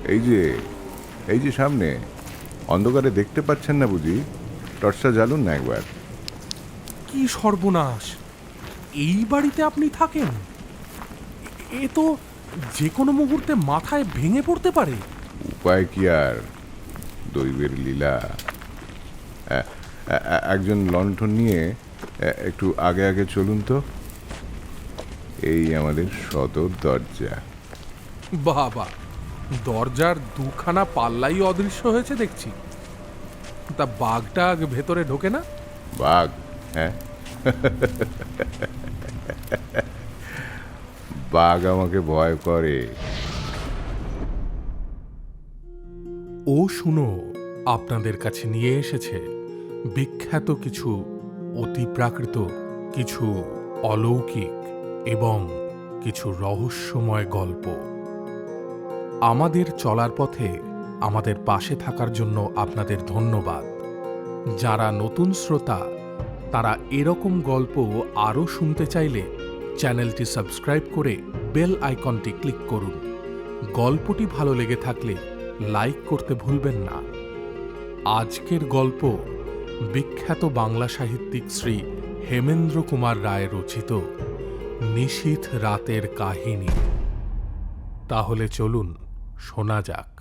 এই যে এই যে সামনে অন্ধকারে দেখতে পাচ্ছেন না বুঝি? টর্চটা জ্বালুন না একবার। কি সর্বনাশ! এই বাড়িতে আপনি থাকেন? এ তো যে কোনো মুহূর্তে মাথায় ভেঙে পড়তে পারে। উপায় কি আর, দৈবের লীলা। একজন লণ্ঠন নিয়ে একটু আগে আগে চলুন তো। এই আমাদের সদর দরজা। বাবা, দরজার দুখানা পাল্লাই অদৃশ্য হয়েছে দেখছি। তা বাঘটা ভেতরে ঢোকে না? বাঘ? হ্যাঁ, বাঘ আমাকে ভয় করে। ও শুনো, আপনাদের কাছে নিয়ে এসেছে বিখ্যাত কিছু অতিপ্রাকৃত, কিছু অলৌকিক এবং কিছু রহস্যময় গল্প। আমাদের চলার পথে আমাদের পাশে থাকার জন্য আপনাদের ধন্যবাদ। যারা নতুন শ্রোতা, তারা এরকম গল্প আরও শুনতে চাইলে চ্যানেলটি সাবস্ক্রাইব করে বেল আইকনটি ক্লিক করুন। গল্পটি ভালো লেগে থাকলে লাইক করতে ভুলবেন না। আজকের গল্প বিখ্যাত বাংলা সাহিত্যিক শ্রী হেমেন্দ্র কুমার রায় রচিত নিশীথ রাতের কাহিনী। তাহলে চলুন শোনা যাক।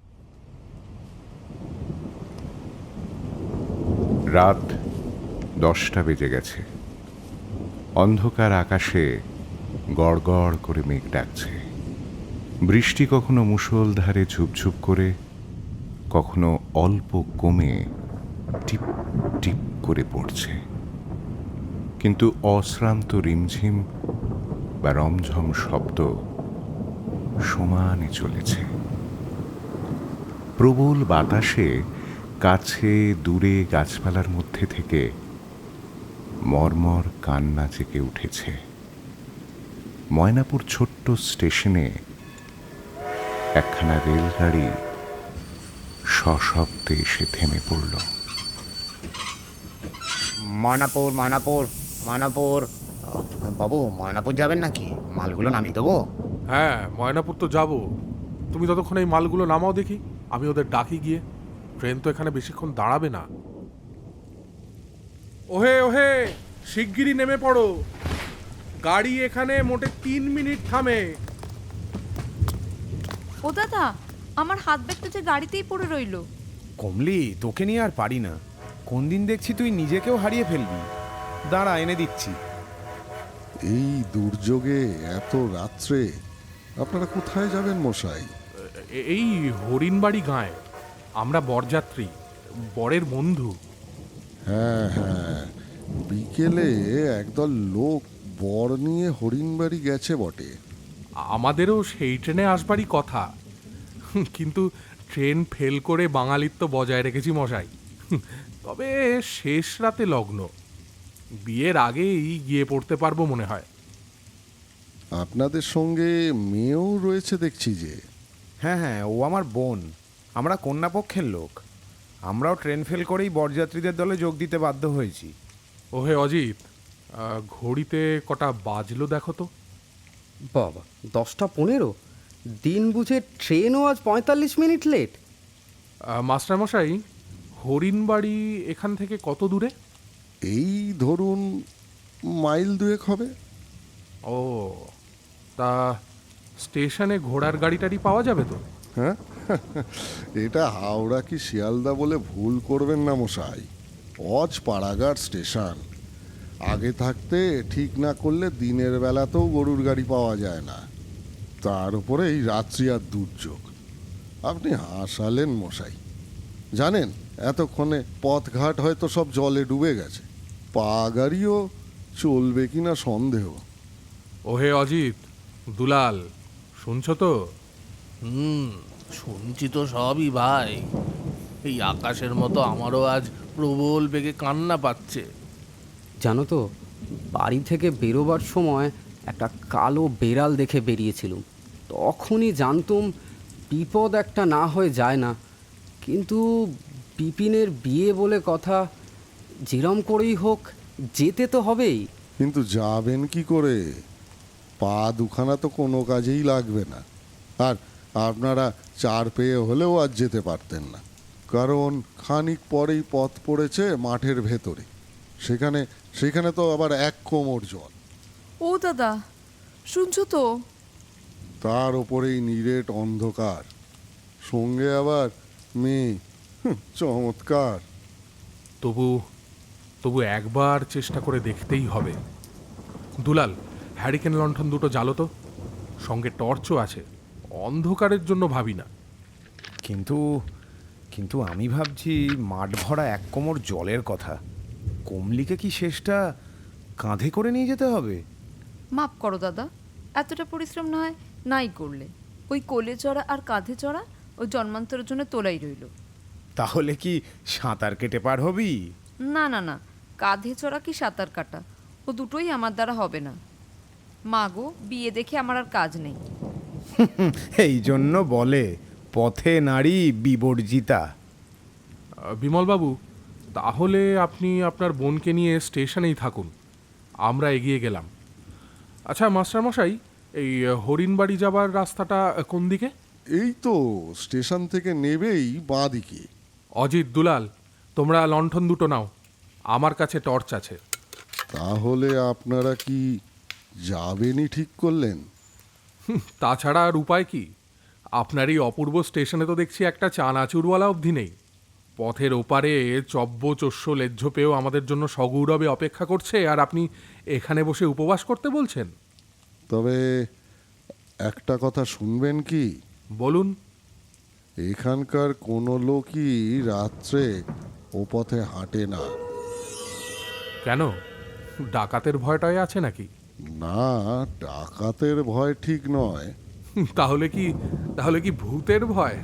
রাত 10টা বেজে গেছে। অন্ধকার আকাশে গড়গড় করে মেঘ ডাকছে। বৃষ্টি কখনো মুষলধারে ঝুপঝুপ করে, কখনো অল্প কমে টিপ টিপ করে পড়ছে, কিন্তু অশ্রান্ত রিমঝিম বা রমঝম শব্দ সমানে চলেছে। প্রবল বাতাসে কাছে দূরে গাছপালার মধ্যে থেকে মর্মর কান্না জেগে উঠেছে। ময়নাপুর ছোট্ট স্টেশনে একখানা রেলগাড়ি সশব্দে এসে থেমে পড়ল। ময়নাপুর ময়নাপুর ময়নাপুর। বাবু, ময়নাপুর যাবেন নাকি? মালগুলো নামিয়ে দেবো? হ্যাঁ, ময়নাপুর তো যাব। তুমি ততক্ষণ এই মালগুলো নামাও দেখি, আমি ওদের ডাকি গিয়ে। ট্রেন তো এখানে বেশিক্ষণ দাঁড়াবে না। ওহে ওহে, শিগগিরই নেমে পড়ো। গাড়ি এখানে মোটে 3 মিনিট থামে। ও দাদা, আমার হাত ব্যাগটা যে গাড়িতেই পড়ে রইল। কমলি, তোকে নিয়ে আর পারি না। কোন দিন দেখছি তুই নিজেকেও হারিয়ে ফেলবি। দাঁড়া, এনে দিচ্ছি। এই দুর্যোগে এত রাত্রে আপনারা কোথায় যাবেন মশাই? এই হরিণবাড়ি গাঁয়ে। আমরা বরযাত্রী, বরের বন্ধু। হ্যাঁ হ্যাঁ, বিকেলে একদল লোক বর নিয়ে হরিণবাড়ি গেছে বটে। আমাদেরও সেই ট্রেনে আসবারই কথা, কিন্তু ট্রেন ফেল করে বাঙালিত্ব বজায় রেখেছি মশাই। তবে শেষ রাতে লগ্ন, বিয়ের আগেই গিয়ে পড়তে পারবো মনে হয়। আপনাদের সঙ্গে মেয়েও রয়েছে দেখছি যে। হ্যাঁ হ্যাঁ, ও আমার বোন। আমরা কন্যাপক্ষের লোক। আমরাও ট্রেন ফেল করেই বরযাত্রীদের দলে যোগ দিতে বাধ্য হয়েছি। ওহে অজিত, ঘড়িতে কটা বাজলো দেখো তো। বাবা, 10টা 15? দিন বুঝে ট্রেনও আজ 45 মিনিট লেট। মাস্টারমশাই, হরিণবাড়ি এখান থেকে কত দূরে? এই ধরুন মাইল 2 হবে। ও, তা স্টেশনে ঘোড়ার গাড়িটারি পাওয়া যাবে তো? হ্যাঁ, এটা হাওড়া কি শিয়ালদা বলে ভুল করবেন না মশাই। পাড়াঘাট স্টেশন। আগে থাকতে ঠিক না করলে দিনের বেলাতেও গরুর গাড়ি পাওয়া যায় না, তার উপরে এই রাত্রি আর দুর্যোগ। আপনি হাসালেন মশাই। জানেন, এতক্ষণে পথঘাট হয়তো সব জলে ডুবে গেছে। পা গাড়িও চলবে কিনা সন্দেহ। ওহে অজিত, দুলাল, শুনছো তো? শুনছি তো সবই ভাই। এই আকাশের মতো আমারও আজ প্রবল বেগে কান্না পাচ্ছে। জানো তো, বাড়ি থেকে বেরোবার সময় একটা কালো বেড়াল দেখে বেরিয়েছিলুম। তখনই জানতুম বিপদ একটা না হয়ে যায় না। কিন্তু বিপিনের বিয়ে বলে কথা, যেরম করেই হোক যেতে তো হবেই। কিন্তু যাবেন কি করে? পা দুখানা তো কোনো কাজেই লাগবে না। আর আপনারা চার পেয়ে হলেও আজ যেতে পারতেন না, কারণ খানিক পরেই পথ পড়েছে মাঠের ভেতরে। সেখানে তো আবার এক কোমর জল, ও দাদা, শুনছো তো? তার ওপরেই নিরেট অন্ধকার, সঙ্গে আবার মেয়ে। চমৎকার। তবু একবার চেষ্টা করে দেখতেই হবে। দুলাল, হ্যারিকেন লণ্ঠন দুটো জ্বালো তো, সঙ্গে টর্চও আছে। অন্ধকারের জন্য ভাবি না। কিন্তু কিন্তু আমি ভাবছি মাঠ ভরা এক কোমর জলের কথা। কমলিকে কি শেষটা কাঁধে করে নিয়ে যেতে হবে? মাপ করো দাদা, এতটা পরিশ্রম না হয় নাই করলে। ওই কোলে চড়া আর কাঁধে চড়া ওই জন্মান্তরের জন্য তোলাই রইল। তাহলে কি সাঁতার কেটে পার হবি? না না না, কাঁধে চড়া কি সাঁতার কাটা, ও দুটোই আমার দ্বারা হবে না। মা গো, বিয়ে দেখে আমার আর কাজ নেই। এই জন্য বলে পথে নারী বিবর্জিতা। বিমলবাবু, তাহলে আপনি আপনার বোনকে নিয়ে স্টেশনেই থাকুন, আমরা এগিয়ে গেলাম। আচ্ছা মাস্টারমশাই, এই হরিণবাড়ি যাবার রাস্তাটা কোন দিকে? এই তো স্টেশন থেকে নেবেই বাঁ দিকে। অজিত, দুলাল, তোমরা লণ্ঠন দুটো নাও, আমার কাছে টর্চ আছে। তাহলে আপনারা কি যাবেনই ঠিক করলেন? তাছাড়া আর উপায় কি? আপনার এই অপূর্ব স্টেশনে তো দেখছি একটা চানাচুরওয়ালা অবধি নেই। পথের ওপারে চব্য-চস্য লেজ্জ পেয়েও আমাদের জন্য সগৌরবে অপেক্ষা করছে, আর আপনি এখানে বসে উপবাস করতে বলছেন? তবে একটা কথা শুনবেন কি? বলুন। এখানকার কোনো লোকই রাত্রে ও পথে হাঁটে না। কেন, ডাকাতের ভয়টাই আছে নাকি? না, ডাকাতের ভয় ঠিক নয়। তাহলে কি ভূতের ভয়?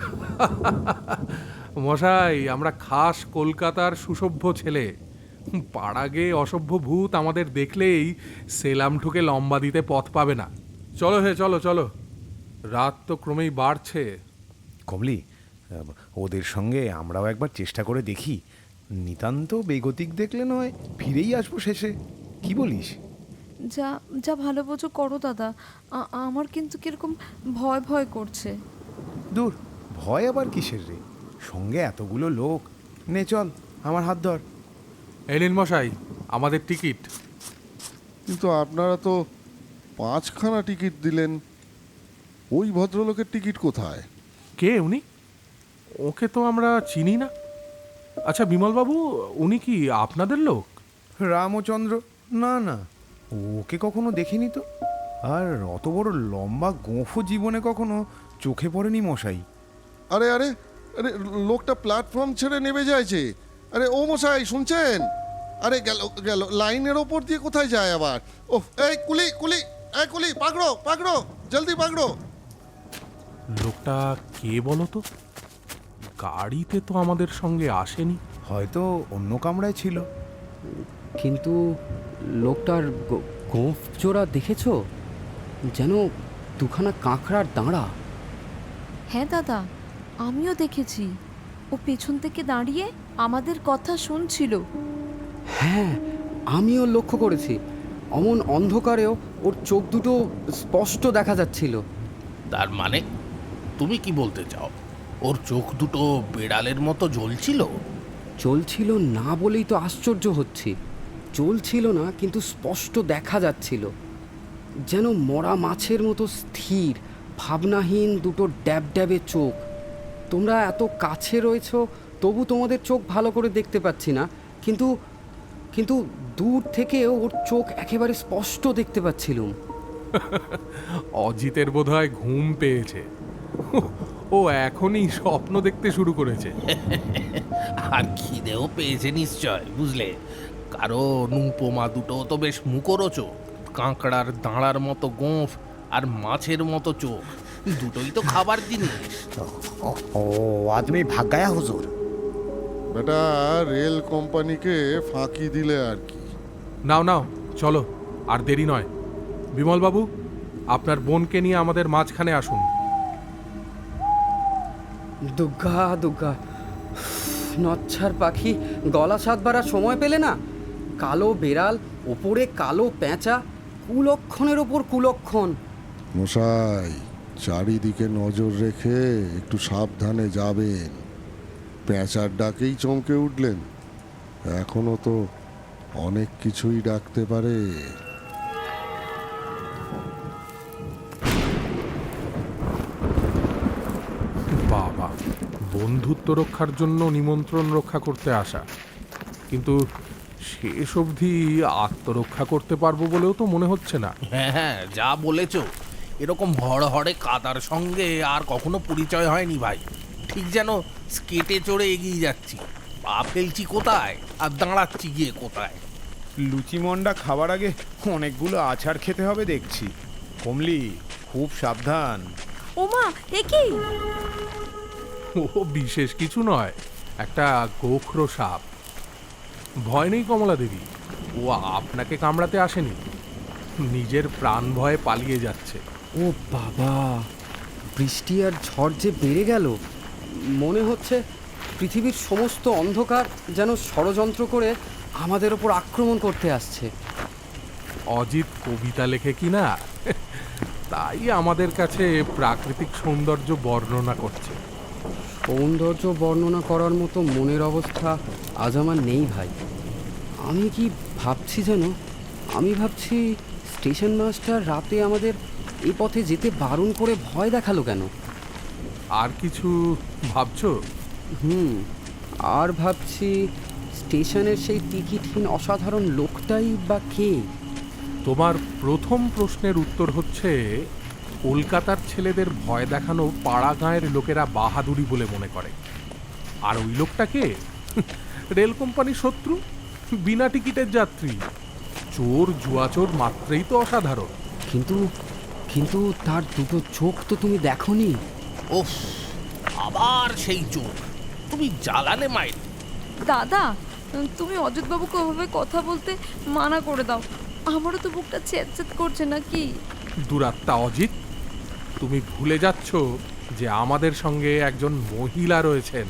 মশাই, আমরা খাস কলকাতার সুসভ্য ছেলে। পাড়াগে অসভ্য ভূত আমাদের দেখলেই সেলাম ঠুকে লম্বা দিতে পথ পাবে না। চলো চলো চলো, রাত তো ক্রমেই বাড়ছে। কমলি, ওদের সঙ্গে আমরাও একবার চেষ্টা করে দেখি। নিতান্ত বেগতিক দেখলে নয়, ফিরেই আসবো শেষে। কি বলিস? যা যা ভালো বোঝো করো দাদা, আমার কিন্তু কিরকম ভয় ভয় করছে। দূর, ভয় আবার কিসের রে? সঙ্গে এতগুলো লোক। নে চল, আমার হাত ধর। এই নিন মশাই, আমাদের টিকিট। কিন্তু আপনারা তো 5খানা টিকিট দিলেন। ওই ভদ্রলোকের টিকিট কোথায়? কে উনি? ওকে তো আমরা চিনি না। আচ্ছা বিমলবাবু, উনি কি আপনাদের লোক? রামচন্দ্র? না না, ওকে কখনো দেখিনি তো। আর অত বড় লম্বা গোঁফও জীবনে কখনো চোখে পড়েনি মশাই। আরে আরে আরে, লোকটা প্ল্যাটফর্ম ছেড়ে নেমে যাচ্ছে। আরে ও মশাই, শুনছেন? আরে গেল গেল, লাইনের ওপর দিয়ে কোথায় যায় আবার? ওহ, এই কুলি কুলি, এই কুলি, পাকড়ো পাকড়ো, জলদি পাকড়ো। লোকটা কে বলো তো? গাড়িতে তো আমাদের সঙ্গে আসেনি। হয়তো অন্য কামরায় ছিল। কিন্তু লোকটার গোঁফ জোড়া দেখেছো? যেন দুখানা কাঁকড়ার দাঁড়া। হ্যাঁ দাদা, আমিও দেখেছি। ও পেছন থেকে দাঁড়িয়ে আমাদের কথা শুনছিল। হ্যাঁ, আমিও লক্ষ্য করেছি। অমন অন্ধকারেও ওর চোখ দুটো স্পষ্ট দেখা যাচ্ছিল। তার মানে তুমি কি বলতে চাও, ওর চোখ দুটো বেড়ালের মতো জ্বলছিল? চলছিল না বলেই তো আশ্চর্য হচ্ছি। চলছিল না, কিন্তু স্পষ্ট দেখা যাচ্ছিল। যেন মরা মাছের মতো স্থির, ভাবনাহীন দুটো ড্যাব ড্যাবে চোখ। তোমরা এত কাছে রয়েছ, তবু তোমাদের চোখ ভালো করে দেখতে পাচ্ছি না, কিন্তু কিন্তু দূর থেকে ওর চোখ একেবারে স্পষ্ট দেখতে পাচ্ছিলুম। অজিতের বোধহয় ঘুম পেয়েছে। ও এখনই স্বপ্ন দেখতে শুরু করেছে। আর খিদেও পেয়েছে নিশ্চয়, বুঝলে? কারণ উপমা দুটো তো বেশ মুখরোচো। কাঁকড়ার দাঁড়ার মতো গোঁফ আর মাছের মতো চোখ, দুটোই তো খাবার জিনিস। ও আদমি ভাগ গায়া হুজুর। বেটা, রেল কোম্পানিকে ফাঁকি দিলে আর কি। নাও নাও, চলো, আর দেরি নয়। বিমলবাবু, আপনার বোনকে নিয়ে আমাদের মাঝখানে আসুন। দুগ্গা দুগ্গা, নচ্ছার পাখি গলা সাত বাড়ার সময় পেলে না? কালো বেড়াল, ওপরে কালো পেঁচা, কুলক্ষণের ওপর কুলক্ষণ। মশাই, চারিদিকে নজর রেখে একটু সাবধানে যাবেন। পেঁচার ডাকেই চমকে উঠলেন, এখনো তো অনেক কিছুই ডাকতে পারে। বাবা, বন্ধুত্ব রক্ষার জন্য নিমন্ত্রণ রক্ষা করতে আসা, কিন্তু শেষ অবধি আত্মরক্ষা করতে পারবো বলেও তো মনে হচ্ছে না। হ্যাঁ হ্যাঁ, যা বলেছ, এরকম হড়হড়ে কাদার সঙ্গে আর কখনো পরিচয় হয়নি ভাই। ঠিক যেন স্কেটে চড়ে এগিয়ে যাচ্ছি, পা ফেলছি কোথায় আর দাঁড়াচ্ছি গিয়ে কোথায়। লুচি মন্ডা খাবার আগে অনেকগুলো আছাড় খেতে হবে দেখছি। কমলি, খুব সাবধান। ওমা, এ কি? ও বিশেষ কিছু নয়, একটা গোখরো সাপ। ভয় নেই কমলা দেবী, ও আপনাকে কামড়াতে আসেনি, নিজের প্রাণ ভয়ে পালিয়ে যাচ্ছে। ও বাবা, বৃষ্টি আর ঝড় যে বেড়ে গেল, মনে হচ্ছে পৃথিবীর সমস্ত অন্ধকার যেন ষড়যন্ত্র করে আমাদের ওপর আক্রমণ করতে আসছে। অজিত কবিতা লেখে কি না, তাই আমাদের কাছে প্রাকৃতিক সৌন্দর্য বর্ণনা করছে। সৌন্দর্য বর্ণনা করার মতো মনের অবস্থা আজ আমার নেই ভাই। আমি কি ভাবছি যেন, আমি ভাবছি স্টেশন মাস্টার রাতে আমাদের এই পথে যেতে বারণ করে ভয় দেখালো কেন? আর কিছু ভাবছো? আর ভাবছি স্টেশনের সেই টিকিটহীন অসাধারণ লোকটাই বা কে? তোমার প্রথম প্রশ্নের উত্তর হচ্ছে, কলকাতার ছেলেদের ভয় দেখানো পাড়া গাঁয়ের লোকেরা বাহাদুরি বলে মনে করে। আর ওই লোকটাকে রেল কোম্পানির শত্রু, বিনা টিকিটের যাত্রী, চোর জুয়াচোর মাত্রেই তো অসাধারণ। কিন্তু কিন্তু তার দুটো চোখ তো তুমি দেখোনি। ওফ, আবার সেই চোখ! তুমি জ্বালালে মাইর। দাদা, তুমি অজিতবাবুকে ওভাবে কথা বলতে মানা করে দাও। আমারও তো বুকটা ছেদ করছে নাকি। দুরাত্মা অজিত, তুমি ভুলে যাচ্ছ যে আমাদের সঙ্গে একজন মহিলা রয়েছেন।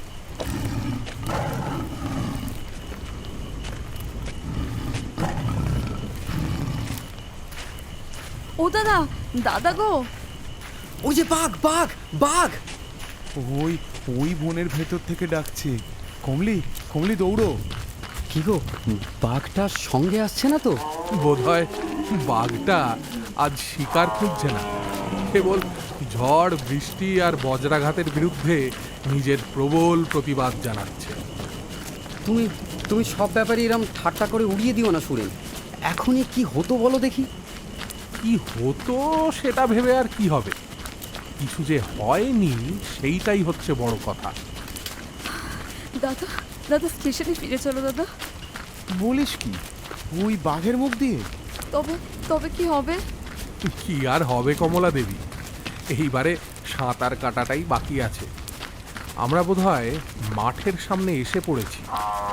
ও দাদা, দাদা গো! ওই যে বাঘ, বাঘ, বাঘ! ওই ওই বনের ভেতর থেকে ডাকছে। কমলি, কমলি দৌড়ো। কি গো, বাঘটা সঙ্গে আসছে না তো? বোধহয় বাঘটা আজ শিকার খুঁজছে না, কেবল ঝড় বৃষ্টি আর বজ্রাঘাতের বিরুদ্ধে নিজের প্রবল প্রতিবাদ জানাচ্ছে। তুমি তুমি সব ব্যাপারে এরম ঠাট্টা করে উড়িয়ে দিও না সুরেন। এখনই কি হতো বলো দেখি। কি হতো সেটা ভেবে আর কি হবে, কিছু যে হয়নি সেইটাই হচ্ছে বড় কথা। দাদা, দাদা স্টেশনে ফিরে চলো দাদা। বলিস কি, ওই বাঘের মুখ দিয়ে? তবে তবে কি হবে? কি আর হবে কমলা দেবী, এইবারে সাঁতার কাটাটাই বাকি আছে। আমরা বোধহয় মাঠের সামনে এসে পড়েছি।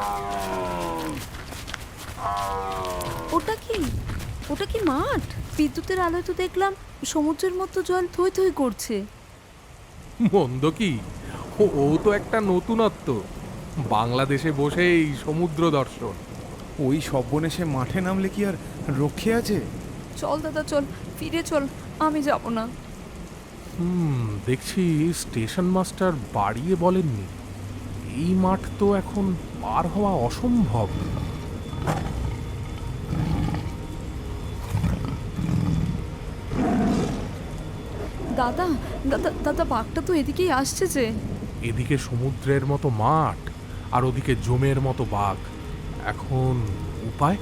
ওটা কি? ওটা কি মাঠ? বিদ্যুতের আলোয় তো দেখলাম সমুদ্রের মতো জল থই থই করছে। মন্দ কি, ও তো একটা নতুনত্ব, বাংলাদেশে বসেই সমুদ্র দর্শন। ওই সব্বনেশে মাঠে নামলে কি আর রক্ষে আছে? চল দাদা চল, ফিরে চল, আমি যাব না। দেখছি স্টেশন মাস্টার বাড়িয়ে বলেননি, এই মাঠ তো এখন পার হওয়া অসম্ভব। দাদা, দাদা, দাদা বাঘটা তো এদিকেই আসছে যে। এদিকে সমুদ্রের মতো মাঠ আর ওদিকে জমের মতো বাঘ, এখন উপায়?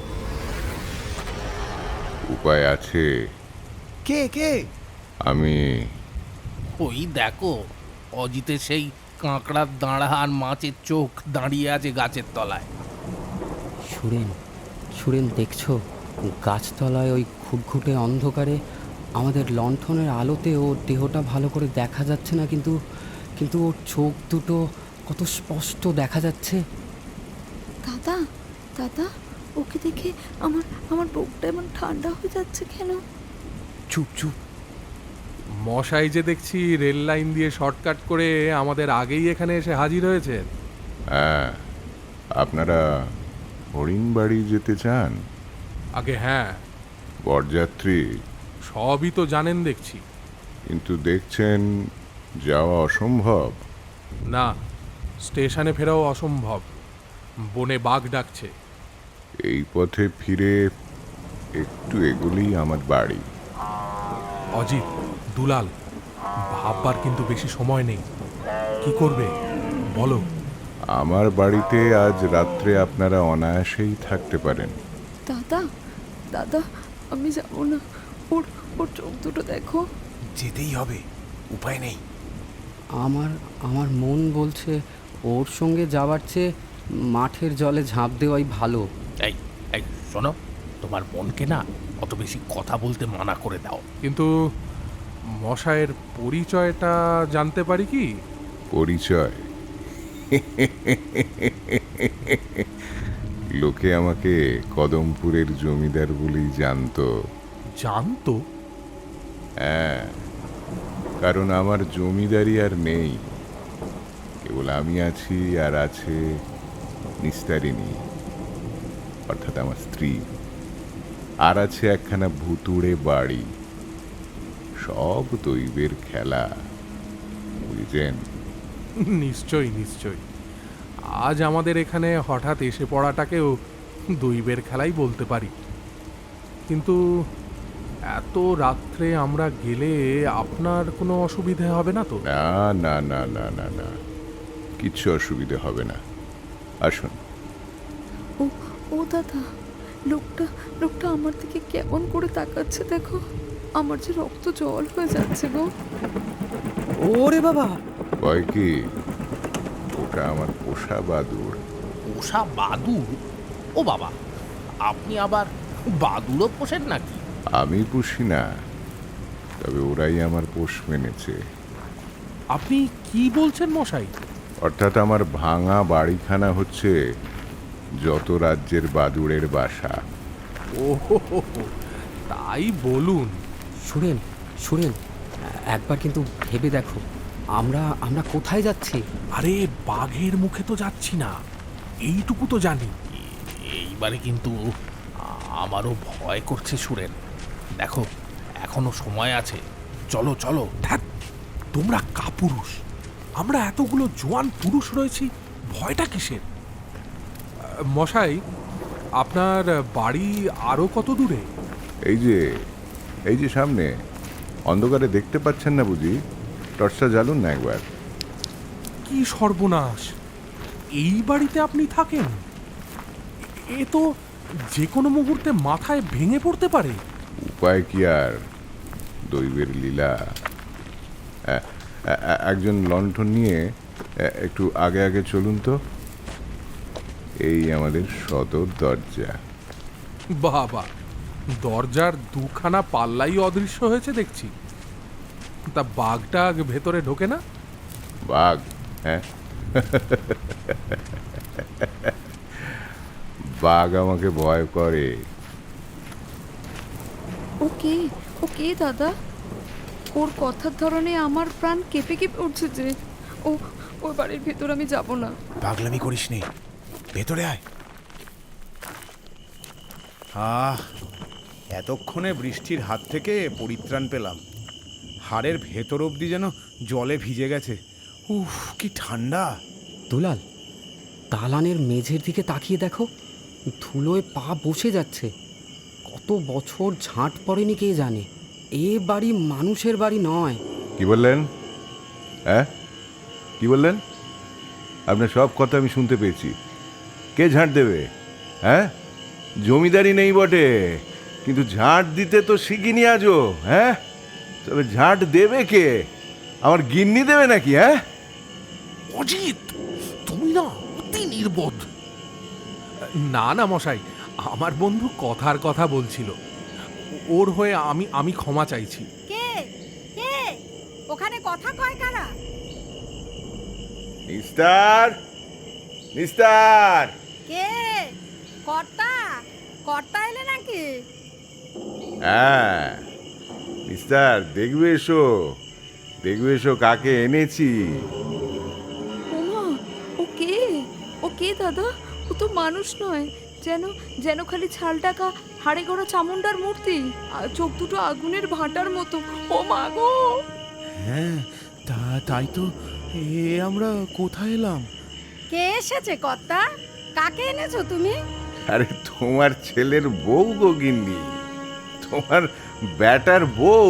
উপায় আছে। কে কে? আমি। ওই দেখো, অজিতের সেই কাঁকড়ার দাঁড়া আর মাছের চোখ দাঁড়িয়ে আছে গাছের তলায়। সুরেন, সুরেন দেখছো, গাছতলায় ওই ঘুটঘুটে অন্ধকারে আমাদের লণ্ঠনের আলোতে ওর দেহটা ভালো করে দেখা যাচ্ছে না, কিন্তু কিন্তু ওর চোখ দুটো কত স্পষ্ট দেখা যাচ্ছে। দাদা, দাদা, ওকে দেখে আমার আমার বুকটা এমন ঠান্ডা হয়ে যাচ্ছে কেন? চুপ চুপ। মশাই যে দেখছি রেল লাইন দিয়ে শর্টকাট করে আমাদের আগেই এখানে এসে হাজির হয়েছেন। হ্যাঁ, আপনারা হরিণবাড়ি যেতে চান? আগে হ্যাঁ, বরযাত্রী? সবই তো জানেন দেখছি। কিন্তু দেখছেন যাওয়া অসম্ভব। না, স্টেশনে ফেরাও অসম্ভব। বনে বাঘ ডাকছে। এই পথে ফিরে একটু এগুলেই আমার বাড়ি। অজিত, দুলাল, ভাববার কিন্তু বেশি সময় নেই। কি করবে বলো? আমার বাড়িতে আজ রাত্রে আপনারা অনায়াসেই থাকতে পারেন। দাদা, দাদা, আমি যাবো না। ওর ওর চোখ দুটো দেখো। যেতেই হবে, উপায় নেই। আমার আমার মন বলছে ওর সঙ্গে যাওয়ার চেয়ে মাঠের জলে ঝাঁপ দেওয়াই ভালো। এই এই শোনো, তোমার মনকে না অত বেশি কথা বলতে মানা করে দাও। কিন্তু মশাইয়ের পরিচয়টা জানতে পারি কি? পরিচয়? লোকে আমাকে কদমপুরের জমিদার বলেই জানতো। জানতো? হ্যাঁ, কারণ আমার জমিদারি আর নেই। কেবল আমি আছি, আর আছে নিস্তারিণী, অর্থাৎ আমার স্ত্রী, আর আছে একখানা ভুতুড়ে বাড়ি। সব দৈবের খেলা, বুঝছেন? নিশ্চয়ই নিশ্চয়ই। আজ আমাদের এখানে হঠাৎ এসে পড়াটাকেও দৈবের খেলাই বলতে পারি। কিন্তু এত রাত্রে আমরা গেলে আপনার কোনো অসুবিধে হবে না তো? না না না না না না, কিচ্ছু অসুবিধে হবে না। আসুন। ও ও দাদা, লোকটা লোকটা আমার দিকে কেমন করে তাকাচ্ছে দেখো। আমার যে রক্ত জল হয়ে যাচ্ছে গো। ওরে বাবা! ভয় কি? ওটা আমার পোষা বাদুড়। পোষা বাদুড়? ও বাবা, আপনি আবার বাদুড়ও পোষেন নাকি? আমি পুষি না, তবে ওরাই আমার পোষ মেনেছে। আপনি কি বলছেন মশাই? অর্থাৎ আমার ভাঙা বাড়িখানা হচ্ছে যত রাজ্যের বাদুড়ের বাসা। ও তাই বলুন। সুরেন, সুরেন, একবার কিন্তু ভেবে দেখো, আমরা আমরা কোথায় যাচ্ছি? আরে বাঘের মুখে তো যাচ্ছি না, এইটুকু তো জানি। এইবারে কিন্তু আমারও ভয় করছে সুরেন। দেখো, এখনো সময় আছে, চলো চলো। ধ্যাৎ, তোমরা কাপুরুষ, আমরা এতগুলো জোয়ান পুরুষ রয়েছি, ভয়টা কিসের? মশাই, আপনার বাড়ি আরো কত দূরে? এই যে সামনে, অন্ধকারে দেখতে পাচ্ছেন না বুঝি? টর্চটা জ্বালুন না একবার। কি সর্বনাশ! এই বাড়িতে আপনি থাকেন? এ তো যে কোনো মুহূর্তে মাথায় ভেঙে পড়তে পারে। উপায় কি আর, দৈবের লীলা। একজন লণ্ঠন নিয়ে একটু আগে আগে চলুন তো। এই আমাদের সদর দরজা। বাবা, দরজার দুখানা পাল্লাই অদৃশ্য হয়েছে দেখছি। তা বাঘটা ভেতরে ঢোকে না? বাঘ? হ্যাঁ, বাঘ আমাকে ভয় করে। ওকে ওকে দাদা, ওর কথার ধরনে আমার প্রাণ কেঁপে কেঁপে উঠছে যে। ও ওই বাড়ির ভেতর আমি যাব না। পাগলামি করিস নে, ভেতরে আয়। এতক্ষণে বৃষ্টির হাত থেকে পরিত্রাণ পেলাম। হাড়ের ভেতর অবধি যেন জলে ভিজে গেছে। উফ, কি ঠান্ডা! দুলাল, দালানের মেঝের দিকে তাকিয়ে দেখো, ধুলোয় পা বসে যাচ্ছে। কত বছর ঝাঁট পড়েনি কে জানে। এ বাড়ি মানুষের বাড়ি নয়। কি বললেন? হ্যাঁ, কি বললেন? আপনার সব কথা আমি শুনতে পেয়েছি। কে ঝাঁট দেবে? হ্যাঁ, জমিদারি নেই বটে, কিন্তু ঝাঁট দিতে তো শিখিনি আজও। হ্যাঁ, তবে ঝাঁট দেবে কে? আমার গিন্নি দেবে নাকি? হ্যাঁ, অজিত, তুমি না অতি নির্বোধ। না না মশাই, আমার বন্ধু কথার কথা বলছিল। ওর হয়ে আমি ক্ষমা চাইছি। কে কে ওখানে কথা কয় কারা? নিস্তার, নিস্তার। কে? কর্তা? কর্তা এলে নাকি? হ্যাঁ, নিস্তার, দেখবে এসো, দেখবে এসো কাকে এনেছি। ওমা, ও কে দাদা? ও তো মানুষ নয়, যেন যেন খালি ছাল টাকা হাড়ে গড়া চামুন্ডার মূর্তি, আর চোখ দুটো আগুনের ভাঁটার মতো। ও মা গো! হ্যাঁ, তাই তো। আমরা কোথায় এলাম? কে এসেছে কর্তা? কাকে এনেছো তুমি? আরে তোমার ছেলের বউ গো গিন্নি, তোমার ব্যাটার বউ।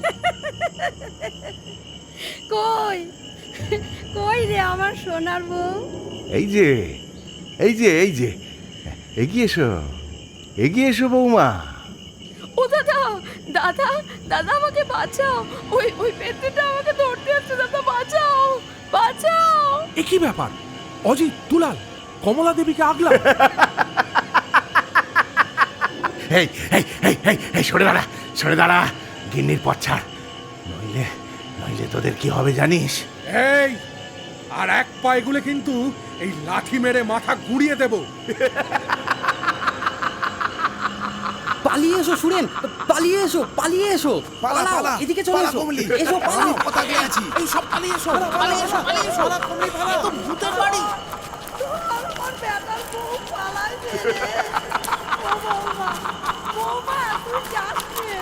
কই কই রে আমার সোনার বউ? এই যে এই যে এই যে, এগিয়ে এসো, এগিয়ে এসো বৌমা। ও দাদা, দাদা, দাদা আমাকে বাঁচাও, ওই ওই পেত্নিটা আমাকে ধরতে আসছে, দাদা বাঁচাও, বাঁচাও। এ কি ব্যাপার? অজিত, দুলাল, কমলা দেবীকে আগলা। এই এই এই এই এই সরে দাঁড়া, সরে দাঁড়া, গিন্নির পথ ছাড়, নইলে নইলে তোদের কি হবে জানিস? এই, আর এক পা এগুলে কিন্তু এই লাঠি মেরে মাথা গুড়িয়ে দেব। পালিয়ে এসো সুরেন, পালিয়ে এসো, পালিয়ে এসো, পালাও, এদিকে চলে এসো, এসো পালাও। এই সব পালিয়ে এসো, পালিয়ে এসো, পালিয়ে এসো। এ তো ভূতের বাড়ি। আমার বেটার বউ পালাইছে রে। ও বৌমা, বৌমা তুই যাস নে।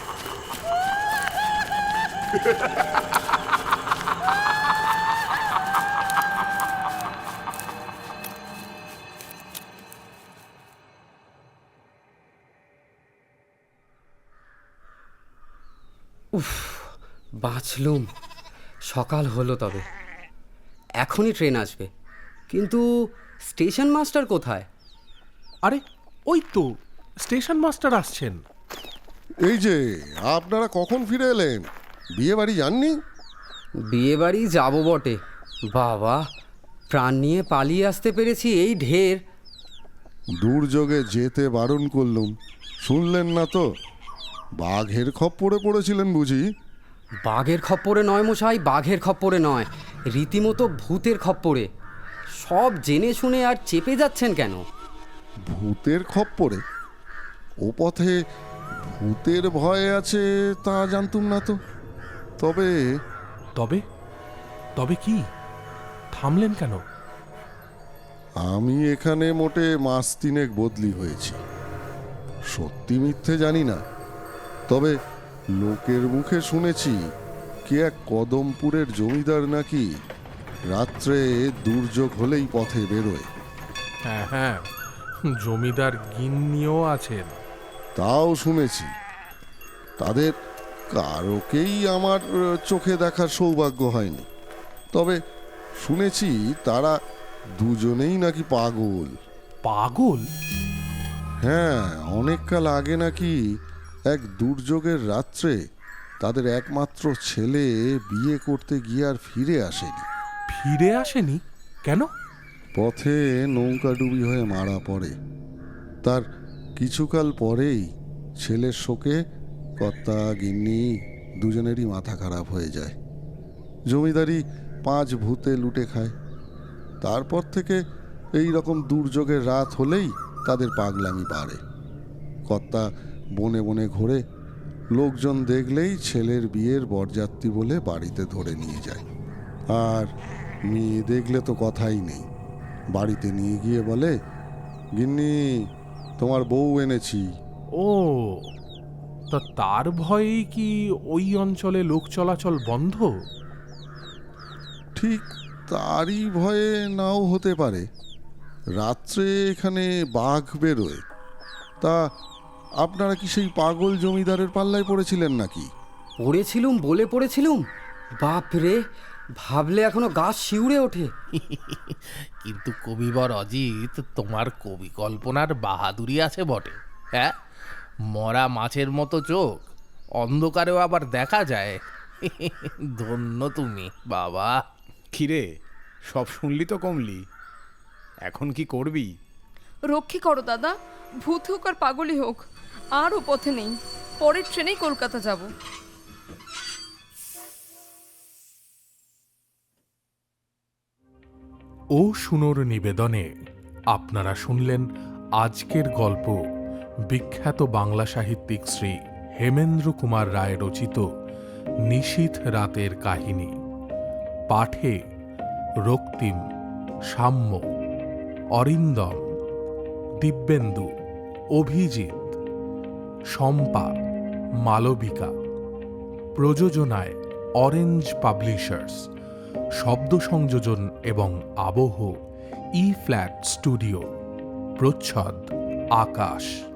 বাঁচলুম, সকাল হলো তবে। এখনই ট্রেন আসবে, কিন্তু স্টেশন মাস্টার কোথায়? আরে ওই তো স্টেশন মাস্টার আসছেন। এই যে, আপনারা কখন ফিরে এলেন? বিয়ে বাড়ি যাননি? বিয়ে বাড়ি যাবো বটে, বাবা, প্রাণ নিয়ে পালিয়ে আসতে পেরেছি এই ঢের। দুর্যোগে যেতে বারণ করলুম, শুনলেন না তো। বাঘের খপ্পরে পড়েছিলেন বুঝি? বাঘের খপ্পরে নয় মশাই, বাঘের খপ্পরে নয়, রীতিমতো ভূতের খপ্পরে। সব জেনে শুনে আর চেপে যাচ্ছেন কেন? ভূতের খপ্পরে? ও পথে ভূতের ভয় আছে তা জানতুম না তো। তবে তবে তবে কি? থামলেন কেন? আমি এখানে মোটে মাস তিনেক বদলি হয়েছি। সত্যি মিথ্যে জানি না, তবে লোকের মুখে শুনেছি কে এক কদমপুরের জমিদার নাকি রাত্রে দুর্যোগ হলেই পথে বেরোয়। হ্যাঁ হ্যাঁ, জমিদার গিন্নিও আছেন। তাও শুনেছি। তাদের কারোকেই আমার চোখে দেখার সৌভাগ্য হয়নি, তবে শুনেছি তারা দুজনেই নাকি পাগল। পাগল? হ্যাঁ, অনেক কাল আগে নাকি এক দুর্যোগের রাত্রে তাদের একমাত্র ছেলে বিয়ে করতে গিয়ে আর ফিরে আসেনি। ফিরে আসেনি কেন? পথে নৌকাডুবি হয়ে মারা পড়ে। তার কিছুকাল পরেই ছেলের শোকে কর্তা গিন্নি দুজনেরই মাথা খারাপ হয়ে যায়। জমিদারি 5 ভূতে লুটে খায়। তারপর থেকে এই রকম দুর্যোগের রাত হলেই তাদের পাগলামি বাড়ে। কর্তা বনে বনে ঘোরে, লোকজন দেখলেই ছেলের বিয়ের বরযাত্রী বলে বাড়িতে ধরে নিয়ে যায়। আর মেয়ে দেখলে তো কথাই নেই, বাড়িতে নিয়ে গিয়ে বলে, গিন্নি তোমার বউ এনেছি। ও, তা তার ভয়েই কি ওই অঞ্চলে লোক চলাচল বন্ধ? ঠিক তারই ভয়ে নাও হতে পারে। রাত্রে এখানে বাঘ বেরোয়। তা আপনারা কি সেই পাগল জমিদারের পাল্লায় পড়েছিলেন নাকি? পড়েছিলুম বলে পড়েছিলুম, বাপ রে, ভাবলে এখনো গা শিউরে ওঠে। কিন্তু কবিবর অজিত, তোমার কবি কল্পনার বাহাদুরি আছে বটে। হ্যাঁ, মরা মাছের মতো চোখ, অন্ধকারেও আবার দেখা যায়। ধন্য তুমি বাবা। কিরে, সব শুনলি তো কমলি? এখন কি করবি? রক্ষী করো দাদা, ভূত হোক আর পাগলই হোক, আর ও পথে নেই। পরের ট্রেনেই কলকাতা যাব। ও শুনোর নিবেদনে আপনারা শুনলেন আজকের গল্প, বিখ্যাত বাংলা সাহিত্যিক শ্রী হেমেন্দ্র কুমার রায় রচিত নিশীথ রাতের কাহিনী। পাঠে রক্তিম, সাম্য, অরিন্দম, দিব্যেন্দু, অভিজিৎ, শম্পা, মালবিকা। প্রযোজনায় অরেঞ্জ পাবলিশার্স, শব্দ সংযোজন এবং আবহ ই ফ্ল্যাট স্টুডিও, প্রচ্ছদ আকাশ।